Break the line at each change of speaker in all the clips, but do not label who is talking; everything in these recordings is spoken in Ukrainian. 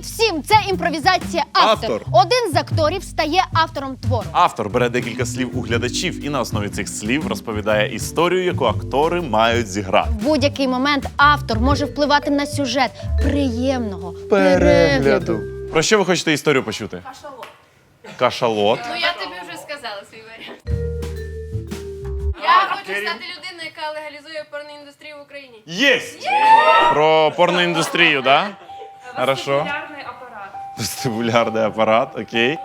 всім! Це імпровізація автор. Один з акторів стає автором твору.
Автор бере декілька слів у глядачів і на основі цих слів розповідає історію, яку актори мають зіграти.
В будь-який момент автор може впливати на сюжет приємного перегляду.
Про що ви хочете історію почути?
Кашалот.
Кашалот.
Ну я тобі вже сказала свій варіант. Я хочу стати людиною, яка легалізує порноіндустрію в Україні.
Єсть! Про порноіндустрію, так? Да? Хорошо.
Вестибулярний апарат.
Вестибулярний апарат, окей.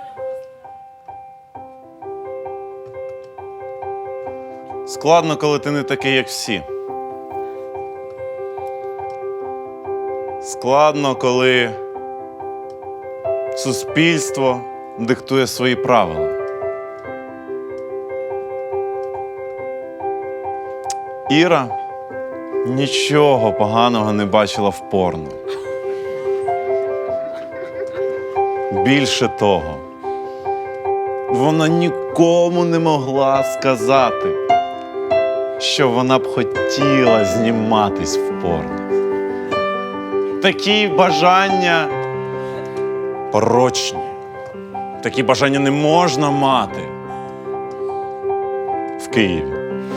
Складно, коли ти не такий, як всі. Складно, коли суспільство диктує свої правила. Іра нічого поганого не бачила в порно. Більше того, вона нікому не могла сказати, що вона б хотіла зніматись в порно. Такі бажання порочні. Такі бажання не можна мати в Києві.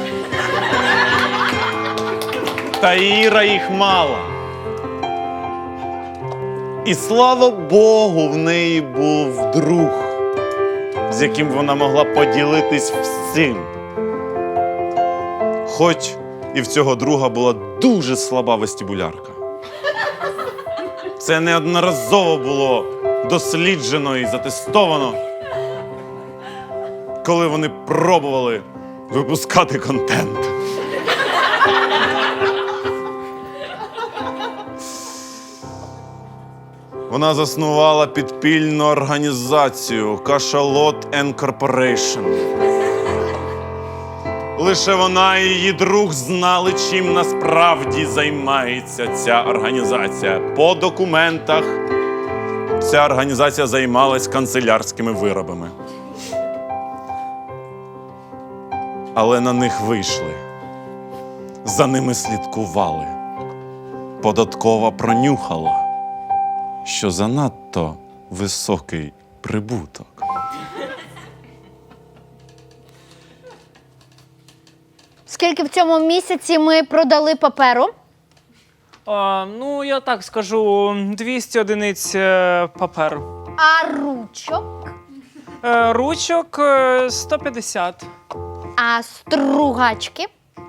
Та Іра їх мала. І слава Богу, в неї був друг, з яким вона могла поділитись всім. Хоч і в цього друга була дуже слаба вестибулярка. Це неодноразово було досліджено і затестовано, коли вони пробували випускати контент. Вона заснувала підпільну організацію Cachalot and Corporation. Лише вона і її друг знали, чим насправді займається ця організація. По документах ця організація займалась канцелярськими виробами. Але на них вийшли. За ними слідкували. Податкова пронюхала, що занадто високий прибуток.
Скільки в цьому місяці ми продали паперу?
Ну, я так скажу, 200 одиниць паперу.
А ручок?
Ручок 150.
А стругачки?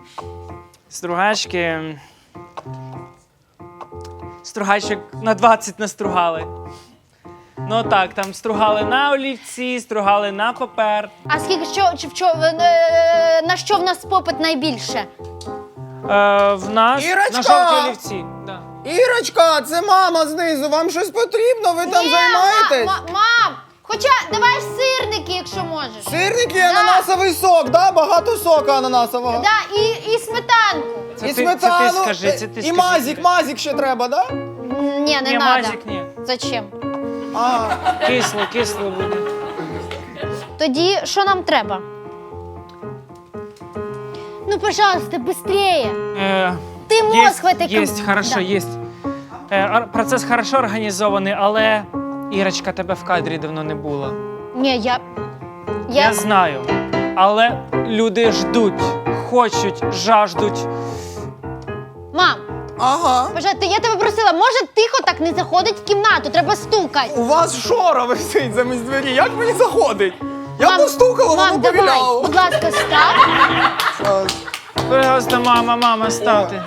Стругачок на 20 настругали. Ну так, там стругали на олівці, стругали на папер.
А скільки на що в нас попит найбільше?
В нас
Ірочка!
на жовті олівці. Да.
Ірочка, це мама знизу. Вам щось потрібно? Ви там займаєтесь?
Мам, хоча давай сирники, якщо можеш.
Сирники, ананасовий сок, да? Багато сока ананасового.
Да, і сметанку.
І
Це
сметану.
ти скажи, це ти
І
скажи.
мазик ще треба, да?
Ні, не
Ні,
надо.
мазик ні.
Зачем?
Ага.
Кисло буде.
Тоді що нам треба? Ну, пожалуйста, быстрее. Ти мозг в этой
Есть, хорошо,
Да.
есть. Процес хорошо організований, але Ірочка, тебе в кадрі давно не було.
Ні,
Я знаю. Але люди ждуть, хочуть, жаждуть.
Мам,
Ага.
пожалуйста, я тебе просила, може тихо так не заходить в кімнату, треба стукати.
У вас шора висить замість двері. Як мені заходить? Я
Мам,
постукала,
мам,
воно
давай,
повіляло.
будь ласка, став.
Пожалуйста, мама, ставте.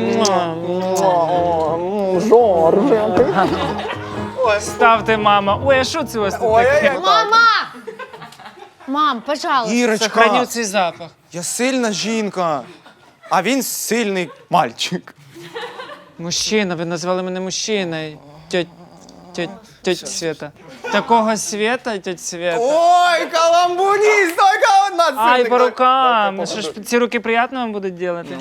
Ставте, мама. Ой, а що це у вас тут таке?
Мама! Мам, пожалуйста.
Ірочка,
Сохраню цей запах.
я сильна жінка, а він сильний мальчик.
Мужчина, ви назвали мене мужчиною. Тьоть Света. Такого Света, тьоть Света.
Ой, каламбуніст, тільки одна сильна.
Ай, по рукам. Що ж, ці руки приємно вам будуть робити?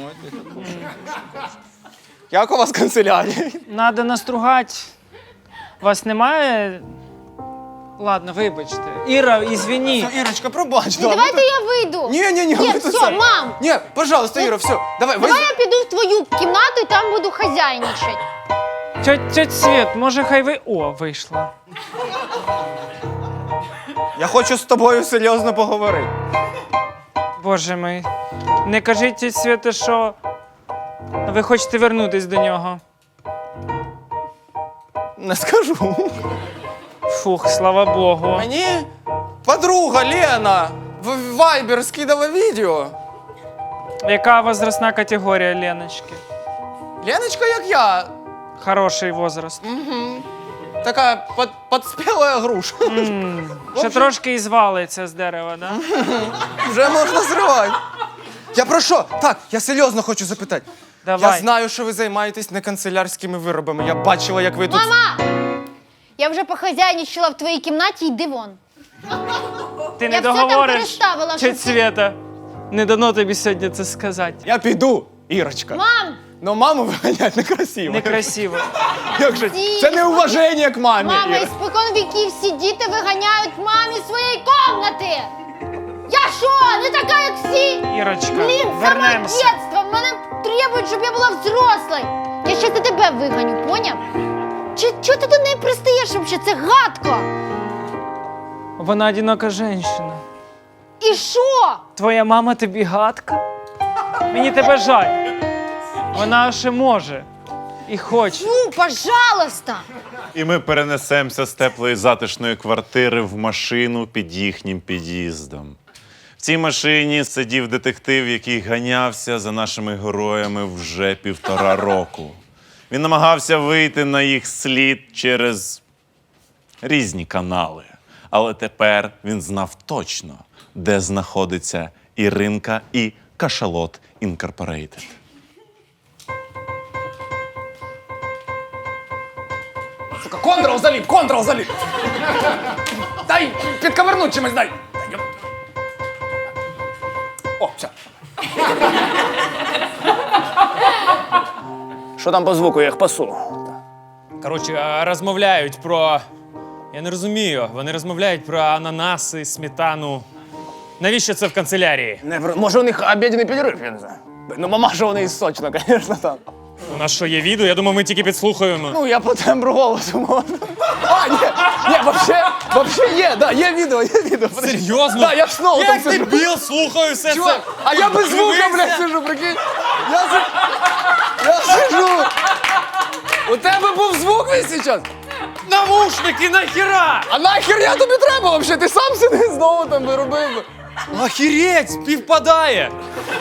Як у вас канцелярія?
Надо настругати. Вас немає? Ладно, вибачте. Іра, ізвіні.
Все, Ірочка, пробач.
Ну, давайте я вийду.
Ні,
Ні,
ви
все,
тут це.
мам.
Ні, пожалуйста, Іра, все. Давай,
Давай я піду в твою кімнату і там буду хазяйничати.
Тьоть Світ, може хай ви... О, вийшла.
Я хочу з тобою серйозно поговорити.
Боже мій. Не кажіть тьоть Світі, що ви хочете вернутись до нього.
Не скажу.
Фух, слава Богу.
Мені подруга Лена в Viber скидала відео.
Яка возрастна категорія Леночки?
Леночка, як я,
Хороший возраст.
така подспіла груша.
Ще трошки і звалиться з дерева, да?
Вже можна зривати. Я про що? Так, я серйозно хочу запитати.
Давай.
Я знаю, що ви займаєтесь не канцелярськими виробами. Я бачила, як ви тут...
Мама! Я вже похазяйничала в твоїй кімнаті, йди вон.
Ти не
Я все там
договориш,
переставила, щоб
тьоть Свєта. Не дано тобі сьогодні це сказати.
Я піду, Ірочка.
Мам!
Но маму виганяти некрасиво.
Некрасиво.
Як же?
Ді-
Це неуваження к мамі.
Мама,
Іра.
іспокон віків всі діти виганяють мамі з своєї комнати! Я що, не така, як всі?
Ірочка,
Блін, саме
вернемося.
дитинство! Мене требують, щоб я була взрослою! Я ще за тебе виганю, поняв? Чого ти до неї пристаєш взагалі? Це гадко!
Вона одинока жінка.
І що?
Твоя мама тобі гадка? Мені тебе жаль. Вона ще може. І хоче.
Ну, пожалуйста!
І ми перенесемося з теплої затишної квартири в машину під їхнім під'їздом. В цій машині сидів детектив, який ганявся за нашими героями вже 1,5 року. Він намагався вийти на їх слід через різні канали. Але тепер він знав точно, де знаходиться Іринка і Кашалот Інкорпорейтед.
Сука, контрол заліп! Дай підковернуть чимось, дай! О, все. Що там по звуку, я їх пасу?
Коротше, розмовляють про. Я не розумію. Вони розмовляють про ананаси, сметану. Навіщо це в канцелярії?
Може у них обідний перерив, я не знаю. Ну, мамаша у неї сочна, звісно, там.
У нас що, є відео? Я думаю, ми тільки підслухаємо.
Ну, я по тембру голосу можу. А, ні, вообще є, да, є відео. Подожди.
Серйозно?
Да, я ж знову там
Як
сижу.
дебіл слухаю все
Чувак,
це.
а я без звука,
Дивися.
блядь, сижу, прикинь. Я сижу. У тебе був звук весь зараз?
Навушники нахіра!
А нахер я тобі треба вообще? Ти сам сиди знову там виробив.
Охереть, співпадає!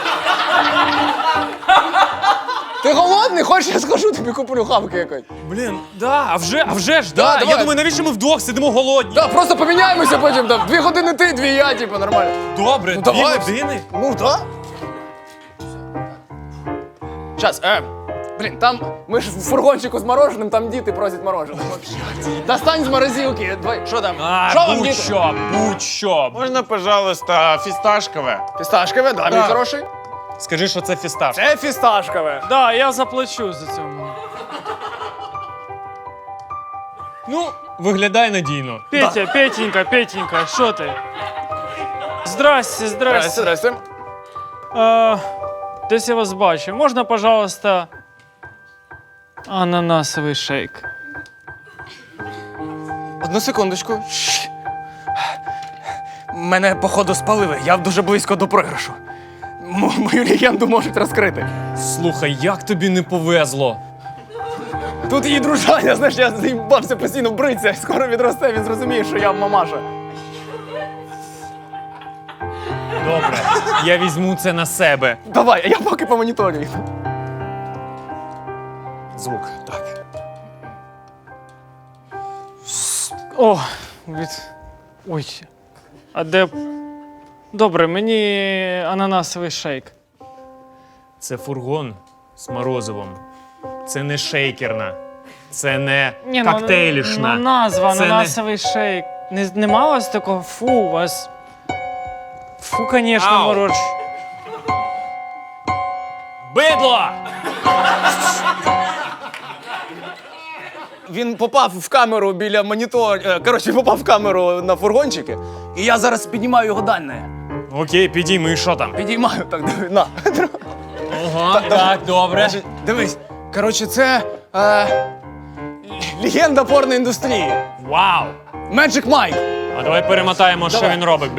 Ти голодний? Хочеш, я схожу, тобі куплю хавки якось.
Блін, да, а вже ж,
Да,
да.
давай.
Я думаю, навіщо ми вдвох сидимо голодні?
Так, просто поміняємося потім там. 2 години ти, 2 я, типу, нормально.
Добре,
Ну,
2
давай.
години.
Ну, да. Щас, блін, там, ми ж в фургончику з мороженим, там діти просять морожене. Достань з морозилки. Давай, що там? Що вам, діти?
Будь-що.
Можна, пожалуйста, фісташкове?
Фісташкове, да, мій хороший.
Скажи, що це фісташ.
Це фісташкове.
Да, я заплачу за цьому.
Ну, виглядає надійно.
Петя, Петенька, що ти? Здрасте.
Здрасте.
Десь я вас бачу. Можна, пожалуйста, ананасовий шейк?
Одну секундочку. Мене, походу, спалили. Я дуже близько до програшу. Мою легенду можуть розкрити.
Слухай, як тобі не повезло?
Тут її дружання, знаєш, я заїбався постійно бритися. Скоро відросте, він зрозуміє, що я мамаша.
Добре, я візьму це на себе.
Давай, а я поки по моніторю. Звук, так.
О, Ой. А де... Добре, мені ананасовий шейк.
Це фургон з морозивом. Це не шейкерна. Це не коктейлішна.
Ну, назва
Це не-
ананасовий шейк. Нема у вас такого? Фу, у вас... Фу, конечно,
Ау.
мороч.
Бидло!
Він попав в камеру біля монітора. Коротше, попав в камеру на фургончики. І я зараз піднімаю його дальне.
Окей, підійми, що там?
Підіймаю, так, диви, на.
Ага, так, добре.
Дивись, коротше, це Легенда порноіндустрії.
Вау!
Magic Mike.
А давай перемотаємо, що він робить.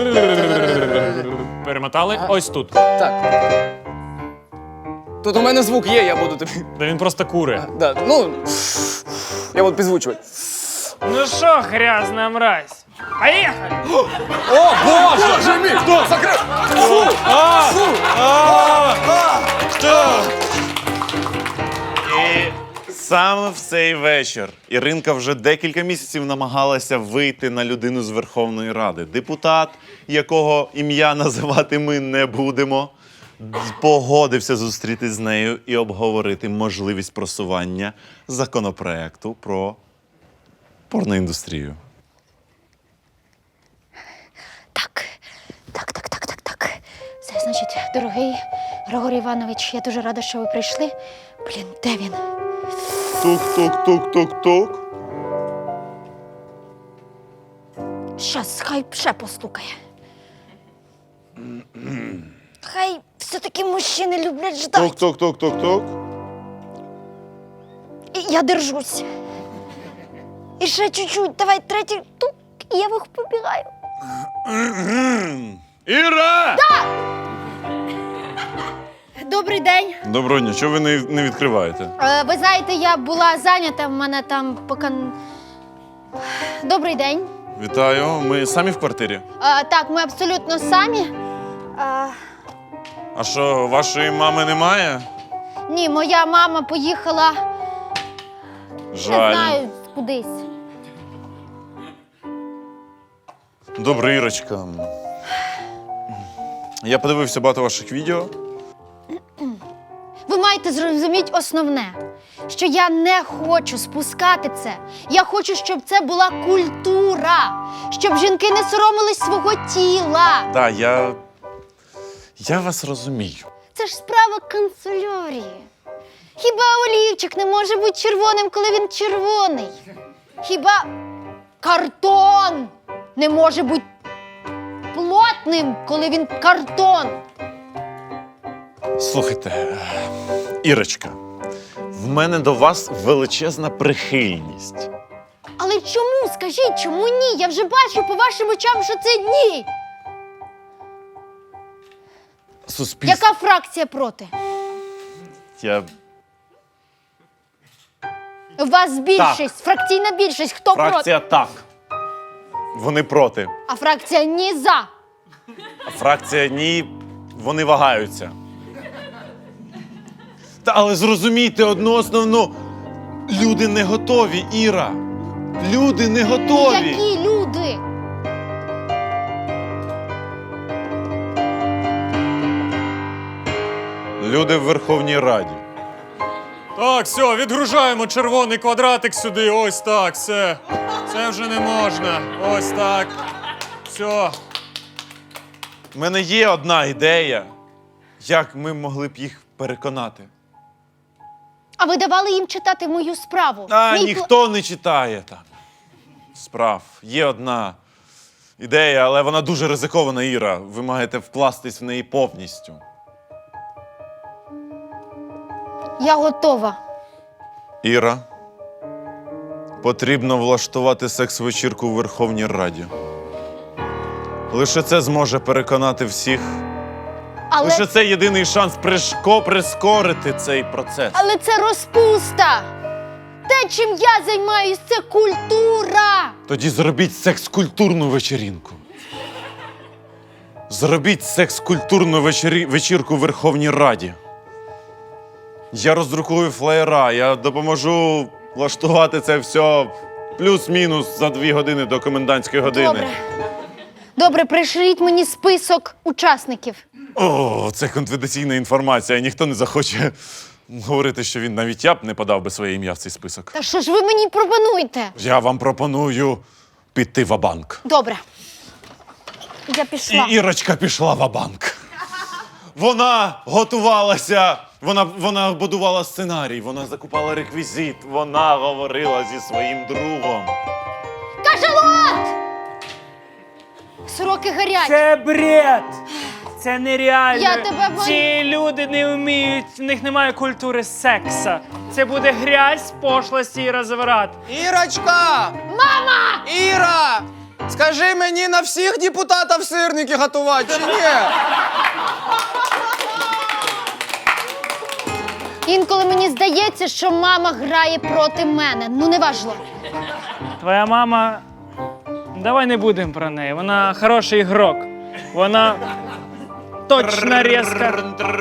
Перемотали? Ось тут.
Так. Тут у мене звук є, я буду тобі.
Де він просто кури.
Да, ну, я буду підзвучувати.
Ну що, грязна мразь? Поїхали!
О, Боже мій! Хто? Закрив! Фу! Фу!
І саме в цей вечір Іринка вже декілька місяців намагалася вийти на людину з Верховної Ради. Депутат, якого ім'я називати ми не будемо, погодився зустрітись з нею і обговорити можливість просування законопроекту про порноіндустрію.
Так. Це значить, дорогий Григорій Іванович, я дуже рада, що ви прийшли. Блін, де він?
Тук-тук-тук-тук-тук.
Щас, хай ще постукає. Хай все-таки мужчини люблять ждати.
Тук-тук-тук-тук-тук.
І я держусь. І ще чуть-чуть, давай третій тук, і я побігаю.
Іра!
Добрий день.
Доброго дня, чого ви не відкриваєте?
Ви знаєте, я була зайнята, в мене там поки... Добрий день.
Вітаю, ми самі в квартирі.
Так, ми абсолютно самі.
А що, вашої мами немає?
Ні, моя мама поїхала, не
Жаль.
знаю, кудись.
Добре, Ірочка. Я подивився багато ваших відео.
Ви маєте зрозуміти основне, що я не хочу спускати це. Я хочу, щоб це була культура, щоб жінки не соромились свого тіла.
Так, я вас розумію.
Це ж справа канцелярії. Хіба олівчик не може бути червоним, коли він червоний? Хіба картон не може бути плотним, коли він картон?
Слухайте, Ірочка, в мене до вас величезна прихильність.
Але чому? Скажіть, чому ні? Я вже бачу по вашим очам, що це ні.
Суспільство.
Яка фракція проти? У вас більшість, фракційна більшість. Хто проти?
Фракція так. Вони проти.
А фракція ні за.
А фракція ні, вони вагаються. Та але зрозумійте одну основну. Люди не готові, Іра. Люди не готові.
Які люди?
Люди в Верховній Раді.
Так, все, відгружаємо червоний квадратик сюди. Ось так, все. Це вже не можна. Ось так. Все.
У мене є одна ідея, як ми могли б їх переконати.
А ви давали їм читати мою справу?
А
Мій
ніхто не читає там справ. Є одна ідея, але вона дуже ризикована, Іра. Ви маєте вкластись в неї повністю.
Я готова.
Іра, потрібно влаштувати секс-вечірку у Верховній Раді. Лише це зможе переконати всіх.
Але,
Лише це єдиний шанс прискорити цей процес.
але це розпуста. Те, чим я займаюсь, це культура.
Тоді зробіть секс-культурну вечірінку. Зробіть секс-культурну вечірку у Верховній Раді. Я роздрукую флеєра, я допоможу влаштувати це все плюс-мінус за 2 години до комендантської години.
Добре. Добре, пришліть мені список учасників.
О, це конфіденційна інформація. Ніхто не захоче говорити, що він навіть я б не подав би своє ім'я в цей список.
Та що ж ви мені пропонуєте?
Я вам пропоную піти ва-банк.
Добре. Я пішла.
І Ірочка пішла ва-банк. Вона готувалася, вона будувала сценарій, вона закупала реквізит, вона говорила зі своїм другом.
Кашалот! Сороки гарять.
Це бред! Це нереально.
Я тебе
Ці люди не вміють, в них немає культури секса. Це буде грязь, пошлості і розврат.
Ірочка! Мама! Іра! Скажи мені, на всіх депутатів сирники готувати чи ні?
Інколи мені здається, що мама грає проти мене. Ну, неважливо.
Твоя мама. Давай не будемо про неї. Вона хороший ігрок. Вона точно різка.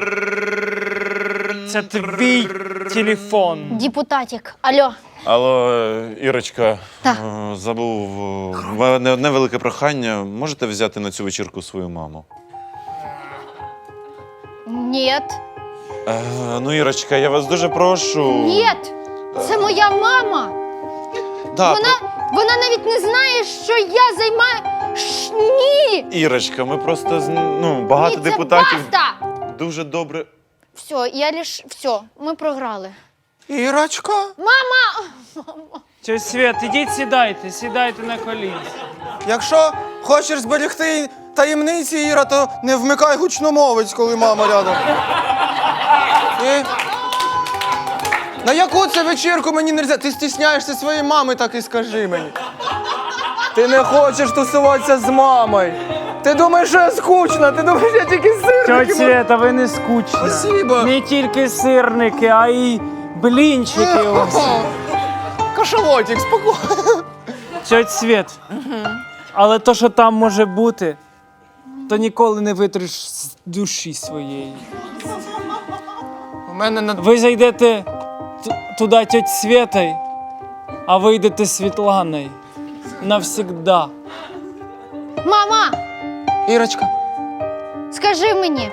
Це твій телефон.
Депутатик, алло.
Алло, Ірочка,
Так.
забув. В мене одне велике прохання. Можете взяти на цю вечірку свою маму?
Ні.
Ну, Ірочка, я вас дуже прошу.
Ні. Це моя мама.
Да,
Вона навіть не знає, що я займаю. Ні!
Ірочка, ми просто багато
Ні, це
депутатів
баста!
дуже добре.
Все, ми програли.
Ірочка?
Мама!
Тьоть Свет, ідіть сідайте на коліна.
Якщо хочеш зберегти таємниці, Іра, то не вмикай гучномовець, коли мама рядом. На яку це вечірку мені не можна? Ти стісняєшся своєї мами, так і скажи мені. Ти не хочеш тусуватися з мамою. Ти думаєш, що я скучна, ти думаєш, я тільки сирники.
Тьоть Света, ви не скучна.
Спасибо.
Не тільки сирники, а й блінчики ось.
Кашалотик, спокійно.
Тьоть Свет, але то, що там може бути, то ніколи не витриш з душі своєї.
У мене на...
Ви зайдете туди тьоть Светой, а вийдете Світланою. Навсігда.
Мама!
Ірочка.
Скажи мені,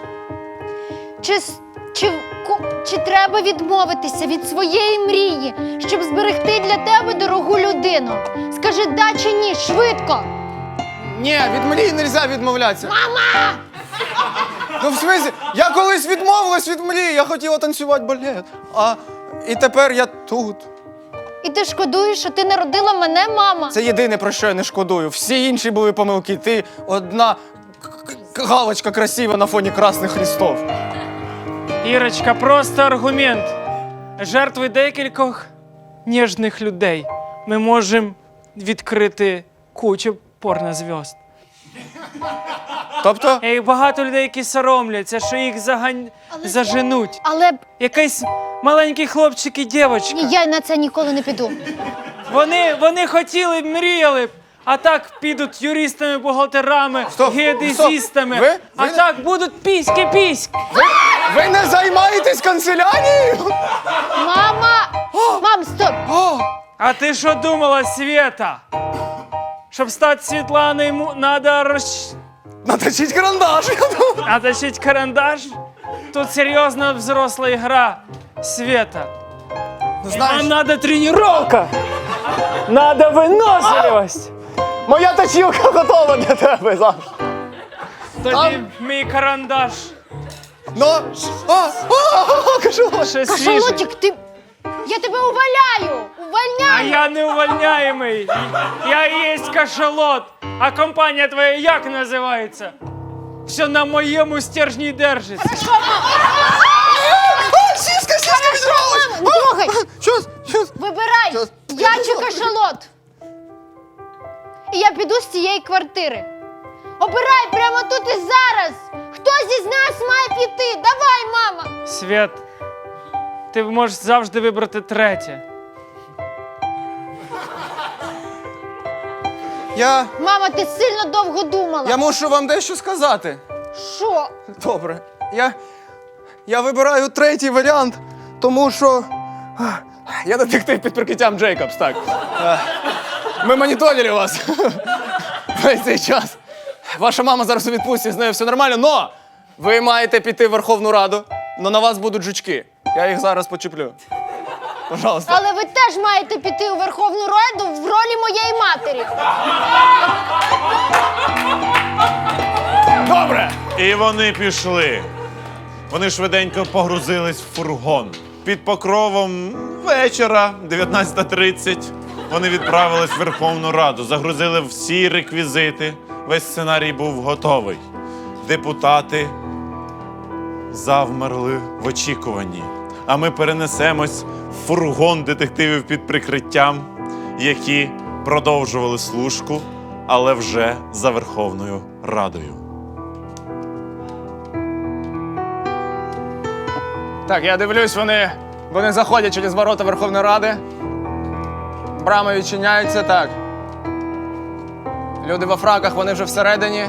чи треба відмовитися від своєї мрії, щоб зберегти для тебе дорогу людину? Скажи да чи ні, швидко!
Ні, від мрії не можна відмовлятися. Мама! Ну, в смислі, я колись відмовилась від мрії, я хотіла танцювати балет. І тепер я тут.
І ти шкодуєш, що ти народила мене, мама?
Це єдине, про що я не шкодую. Всі інші були помилки. Ти одна галочка красива на фоні красних хрестов.
Ірочка, просто аргумент. Жертви декількох ніжних людей. Ми можемо відкрити кучу порнозв'язд.
Тобто?
І багато людей, які соромляться, що їх заженуть.
Але
Якийсь маленький хлопчик і дівчинка.
ні, я на це ніколи не піду.
Вони хотіли, мріяли б, а так підуть юристами, бухгалтерами,
Стоп,
геодезістами.
стоп. Ви
А так будуть піськи.
Ви не займаєтесь канцелярією?
Мама! Мам, стоп!
О,
А ти що думала, Света? Щоб стати Світланою, треба
наточіть карандаш, я думаю.
наточити карандаш? Тут серйозна взросла гра, Света.
Ну,
Нам треба тренування. Треба виносливість.
моя точілка готова для тебе завжди.
Тоді мій карандаш.
Ну, кажу.
Ще свіжий.
Кашалотик, ти... Я тебе уваляю!
А
Увольняю!
я не увольняємий. Я і є кашалот. А компанія твоя як називається? Все на моєму стержні держиться.
Сіска відралась!
Мама, не трогай!
Щось.
Вибирай!
Щас.
Я чи кашалот! І я піду з цієї квартири. Обирай прямо тут і зараз! Хтось із нас має піти! Давай, мама!
Свят, ти можеш завжди вибрати третє.
Мама, ти сильно довго думала.
Я мушу вам дещо сказати.
Що?
Добре. Я вибираю третій варіант, тому що я детектив під прикриттям Джейкобс, так. Ми моніторили вас весь цей час. Ваша мама зараз у відпустці, з нею все нормально, но ви маєте піти в Верховну Раду, но на вас будуть жучки. Я їх зараз почеплю. Пожалуйста.
Але ви теж маєте піти у Верховну Раду в ролі моєї матері.
Добре!
І вони пішли. Вони швиденько погрузились в фургон. Під покровом вечора, 19:30, вони відправились в Верховну Раду, загрузили всі реквізити. Весь сценарій був готовий. депутати завмерли в очікуванні. А ми перенесемось в фургон детективів під прикриттям, які продовжували служку, але вже за Верховною Радою.
Так, я дивлюсь, вони заходять через ворота Верховної Ради. Брами відчиняються, так. Люди во фраках, вони вже всередині.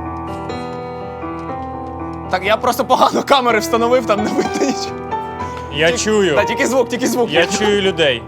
Так, я просто погано камери встановив, там не видно нічого.
Я чую.
Та тільки звук.
Я чую людей.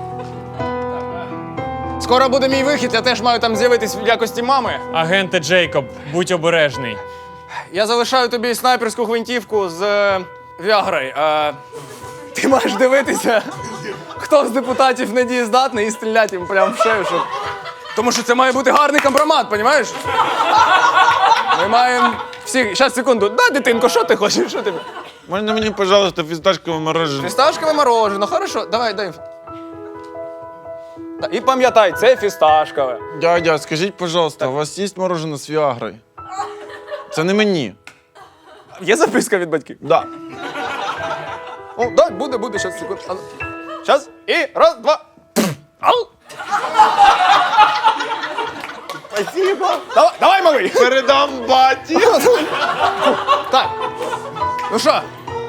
Скоро буде мій вихід, я теж маю там з'явитись в якості мами.
Агенте Джейкоб, будь обережний.
Я залишаю тобі снайперську гвинтівку з Віагрою. Ти маєш дивитися, хто з депутатів недієздатний і стріляти їм прямо в шею, щоб... Тому що це має бути гарний компромат, розумієш? Ми маємо всі... Щас, секунду. Да, дитинко, що ти хочеш? Що ти?
Можна мені, пожалуйста, фісташкове мороженое?
Фісташкове мороженое, хорошо. Давай, дай. І пам'ятай, це фісташкове.
Дядя, скажіть, пожалуйста, у вас є мороженое з Віагрою? Це не мені.
Є записка від батьків?
Да.
О, да, буде, щас, секунду. Щас, і раз, два. Ау! Спасибо. Давай, малий.
Передам баті.
Так. Ну що?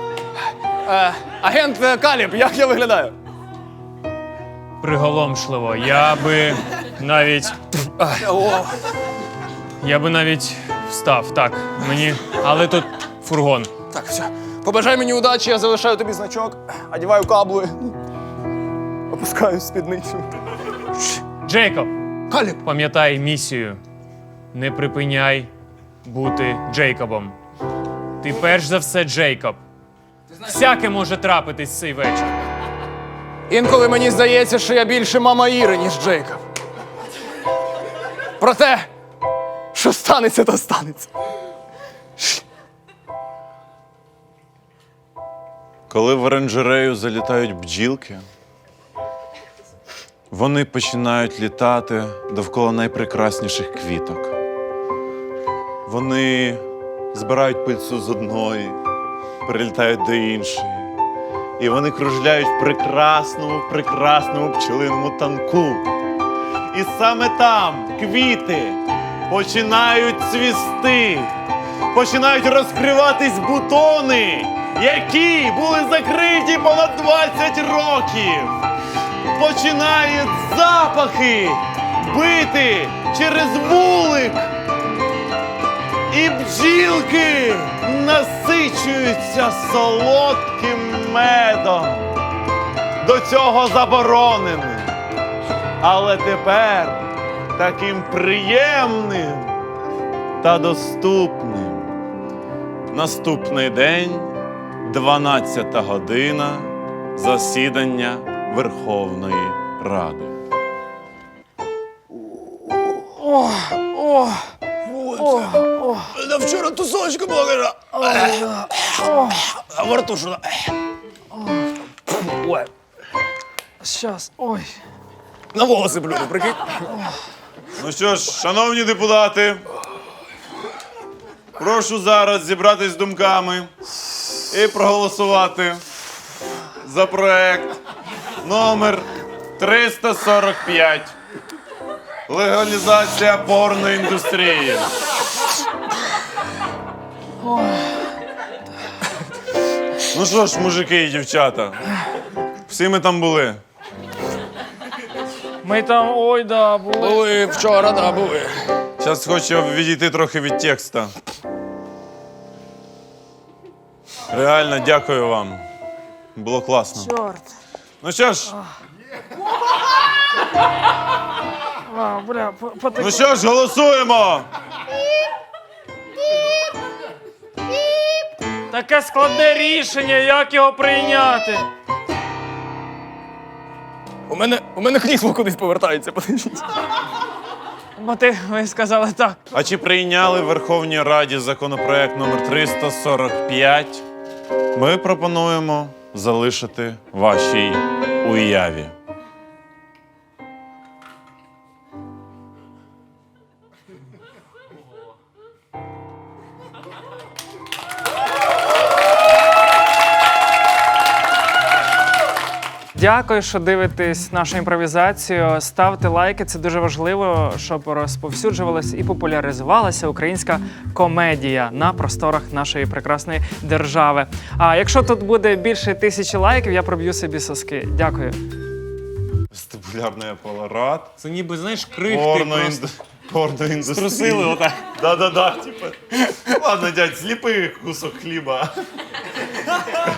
Агент Каліб, як я виглядаю?
Приголомшливо. Я би навіть. Я би навіть встав. Так, мені. Але тут фургон.
Так, все. Побажай мені удачі, я залишаю тобі значок, одягаю каблуї. Опускаю спідницю.
Джейкоб,
Каліб.
пам'ятай місію. Не припиняй бути Джейкобом. Ти перш за все Джейкоб. Всяке може трапитись цей вечір.
Інколи мені здається, що я більше мама Іри, ніж Джейкоб. Проте, що станеться, то станеться.
Коли в оранжерею залітають бджілки, вони починають літати довкола найпрекрасніших квіток. Вони збирають пильцю з одної, перелітають до іншої. І вони кружляють в прекрасному пчелиному танку. І саме там квіти починають цвісти, починають розкриватись бутони, які були закриті понад 20 років. Починають запахи бити через вулик. І бджілки насичуються солодким медом. До цього забороненим. Але тепер таким приємним та доступним. Наступний день, 12 година, засідання Верховної Ради.
Да вчора тусовочка була. А во рту що? Ой.
Щас, ой.
На волоси блюду, прикинь.
Ну що ж, шановні депутати, прошу зараз зібратись з думками і проголосувати за проект номер 345. Легалізація порноіндустрії. Ну що ж, мужики і дівчата, всі ми там були.
Ми там, ой, да, були.
Були вчора, да, були.
Зараз хочу відійти трохи від текста. Реально, дякую вам. Було класно.
Чорт.
Ну що ж,
Бля,
ну що ж, голосуємо!
Таке складне рішення, як його прийняти?
У мене крісло кудись повертається, подивіться.
Бо ви сказали так.
А чи прийняли в Верховній Раді законопроект номер 345? Ми пропонуємо залишити вашій уяві.
Дякую, що дивитесь нашу імпровізацію. Ставте лайки, це дуже важливо, щоб розповсюджувалася і популяризувалася українська комедія на просторах нашої прекрасної держави. А якщо тут буде більше 1000 лайків, я проб'ю собі соски. Дякую.
Вестибулярний апарат.
Це ніби, знаєш, крихти просто.
Порноіндустрія.
Струсили отак.
Да-да-да, типа. Ладно, дядь, зліпи кусок хліба.